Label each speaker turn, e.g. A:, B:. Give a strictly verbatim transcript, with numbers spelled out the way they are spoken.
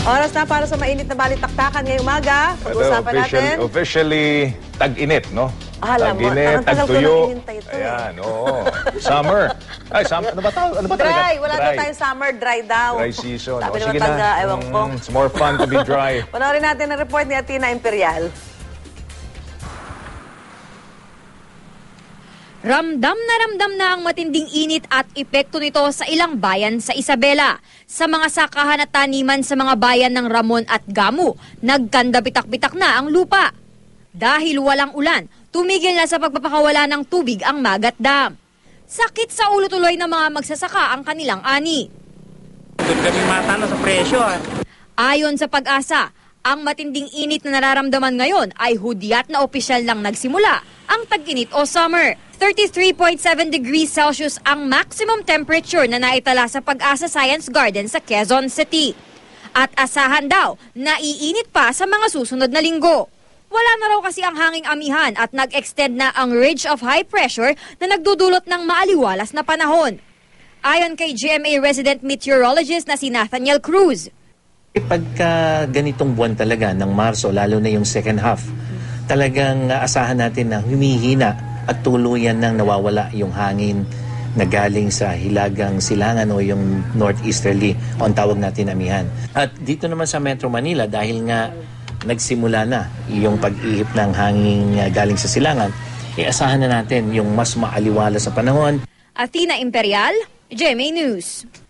A: Oras na para sa mainit na balitaktakan ngayong umaga. Pag-uusapan
B: official,
A: natin.
B: Officially, tag-init, no?
A: Alam mo,
B: tag-init,
A: tagal ko
B: tag-tuyo.
A: nang hinintay ito.
B: Ayan, oo. Summer. Ay, summer. Ano ba tawag? Ano ba talaga?
A: Dry. Wala na tayong summer. Dry daw.
B: Dry season.
A: Sabi
B: O,
A: naman
B: sige
A: taga,
B: na.
A: ewan ko.
B: Mm, it's more fun to be dry.
A: Panoorin natin ang report ni Athena Imperial.
C: Ramdam na ramdam na ang matinding init at epekto nito sa ilang bayan sa Isabela. Sa mga sakahan at taniman sa mga bayan ng Ramon at Gamu, nagkanda-bitak-bitak na ang lupa. Dahil walang ulan, tumigil na sa pagpapakawala ng tubig ang Magat Dam. Sakit sa ulo tuloy ng mga magsasaka ang kanilang ani.
D: Doon kami matalo sa presyo. Ah.
C: Ayon sa Pag-asa, ang matinding init na nararamdaman ngayon ay hudyat na opisyal lang nagsimula ang tag-init o summer. thirty-three point seven degrees Celsius ang maximum temperature na naitala sa Pag-asa Science Garden sa Quezon City. At asahan daw na iinit pa sa mga susunod na linggo. Wala na raw kasi ang hanging amihan at nag-extend na ang ridge of high pressure na nagdudulot ng maaliwalas na panahon. Ayon kay G M A resident meteorologist na si Nathaniel Cruz.
E: Pagka ganitong buwan talaga ng Marso, lalo na yung second half, talagang asahan natin na humihina at tuluyan nang nawawala yung hangin na galing sa hilagang silangan o yung northeasterly o ang tawag natin amihan. At dito naman sa Metro Manila, dahil nga nagsimula na yung pag-ihip ng hangin galing sa silangan, iasahan na natin yung mas maaliwala sa panahon.
C: Athena Imperial, G M A News.